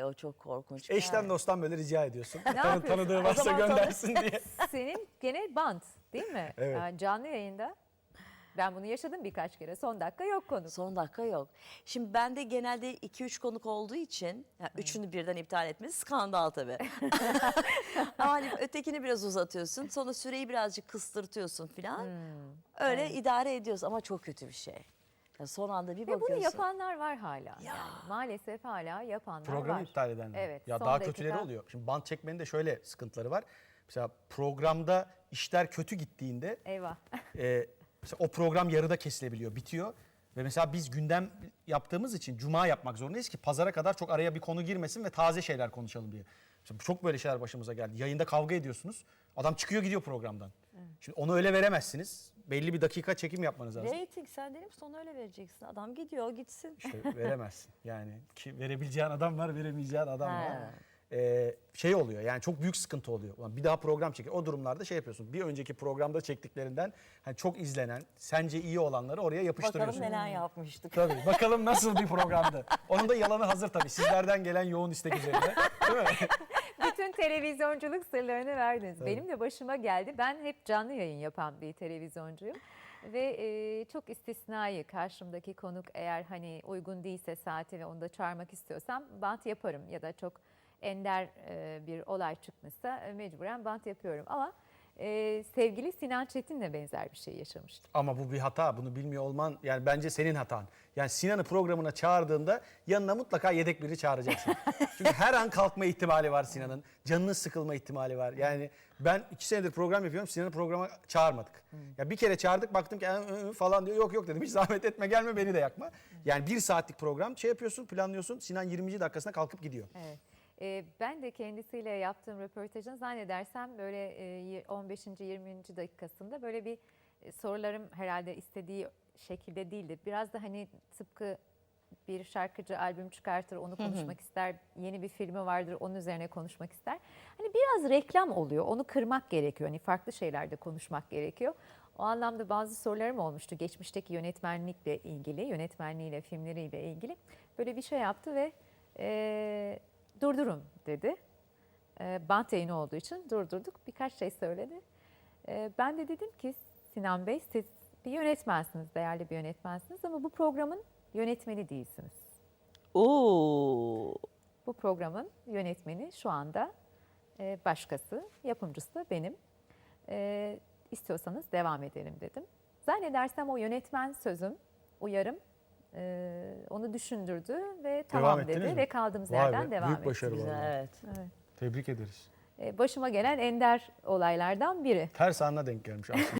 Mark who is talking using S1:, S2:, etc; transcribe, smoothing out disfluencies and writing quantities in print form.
S1: o çok korkunç.
S2: Eşten dosttan böyle rica ediyorsun.
S3: yapıyorsun?
S2: Tanıdığı
S1: O
S2: varsa
S1: zaman
S2: göndersin diye.
S3: Senin gene bant değil mi?
S2: Evet.
S3: Yani canlı yayında. Ben bunu yaşadım birkaç kere. Son dakika yok konuk.
S1: Son dakika yok. Şimdi bende genelde 2-3 konuk olduğu için üçünü birden iptal etmesi skandal tabii. Ama hani ötekini biraz uzatıyorsun. Sonra süreyi birazcık kıstırtıyorsun falan. Öyle idare ediyoruz ama çok kötü bir şey. Ya son anda bir
S3: Ve
S1: bakıyorsun.
S3: bunu yapanlar var hala. Yani maalesef hala yapanlar
S2: Programı
S3: var.
S2: iptal edenler.
S3: Evet.
S2: Ya
S3: son
S2: daha
S3: dakika.
S2: kötüleri oluyor. Şimdi bant çekmenin de şöyle sıkıntıları var. Mesela programda işler kötü gittiğinde
S3: Eyvah.
S2: mesela o program yarıda kesilebiliyor, bitiyor. Ve mesela biz gündem yaptığımız için cuma yapmak zorundayız ki pazara kadar çok araya bir konu girmesin ve taze şeyler konuşalım diye. Mesela çok böyle şeyler başımıza geldi. Yayında kavga ediyorsunuz. Adam çıkıyor gidiyor programdan. Şimdi onu öyle veremezsiniz. Belli bir dakika çekim yapmanız lazım.
S1: Rating sen dedim sonra öyle vereceksin. Adam gidiyor gitsin.
S2: İşte veremezsin. Yani ki verebileceğin adam var, veremeyeceğin adam var.
S1: Ha.
S2: Şey oluyor yani çok büyük sıkıntı oluyor. Ulan bir daha program çekin. O durumlarda şey yapıyorsun. Bir önceki programda çektiklerinden hani çok izlenen, sence iyi olanları oraya yapıştırıyorsun.
S1: Bakalım neler yapmıştık.
S2: Tabii. Bakalım nasıl bir programdı. Onun da yalanı hazır tabii. Sizlerden gelen yoğun istek üzerine. Değil mi?
S3: Bütün televizyonculuk sırlarını verdiniz. Benim de başıma geldi. Ben hep canlı yayın yapan bir televizyoncuyum. Ve çok istisnai karşımdaki konuk eğer hani uygun değilse saati ve onu da çağırmak istiyorsam bant yaparım. Ya da çok ender bir olay çıkmışsa mecburen bant yapıyorum. Ama sevgili Sinan Çetin'le benzer bir şey yaşamıştım.
S2: Ama bu bir hata. Bunu bilmiyor olman yani bence senin hatan. Yani Sinan'ı programına çağırdığında yanına mutlaka yedek biri çağıracaksın. Çünkü her an kalkma ihtimali var Sinan'ın. Canının sıkılma ihtimali var. Yani ben 2 senedir program yapıyorum. Sinan'ı programa çağırmadık. Ya bir kere çağırdık baktım ki falan diyor. Yok yok dedim. Hiç zahmet etme gelme beni de yakma. Yani 1 saatlik program şey yapıyorsun planlıyorsun. Sinan 20. dakikasına kalkıp gidiyor.
S3: Evet. Ben de kendisiyle yaptığım röportajın zannedersem böyle 15. 20. dakikasında böyle bir sorularım herhalde istediği şekilde değildi. Biraz da hani tıpkı bir şarkıcı albüm çıkartır onu konuşmak ister. Yeni bir filmi vardır onun üzerine konuşmak ister. Hani biraz reklam oluyor onu kırmak gerekiyor. Hani farklı şeylerde konuşmak gerekiyor. O anlamda bazı sorularım olmuştu. Geçmişteki yönetmenlikle ilgili, yönetmenliğiyle, filmleriyle ilgili. Böyle bir şey yaptı ve durdurun dedi. Bant yayını olduğu için durdurduk. Birkaç şey söyledi. Ben de dedim ki Sinan Bey siz bir yönetmensiniz, değerli bir yönetmensiniz ama bu programın yönetmeni değilsiniz.
S1: Oo.
S3: Bu programın yönetmeni şu anda başkası, yapımcısı da benim. İstiyorsanız devam edelim dedim. Zannedersem o yönetmen sözüm, uyarım onu düşündürdü ve tamam
S2: ettiniz
S3: dedi
S2: mi?
S3: ve kaldığımız
S2: Vay
S3: yerden
S2: be,
S3: devam
S2: büyük
S3: ettik.
S2: başarı
S1: Güzel
S2: vallahi.
S1: evet.
S3: Evet.
S2: Tebrik ederiz.
S3: Başıma gelen ender olaylardan biri.
S2: Ters anına denk gelmiş aslında.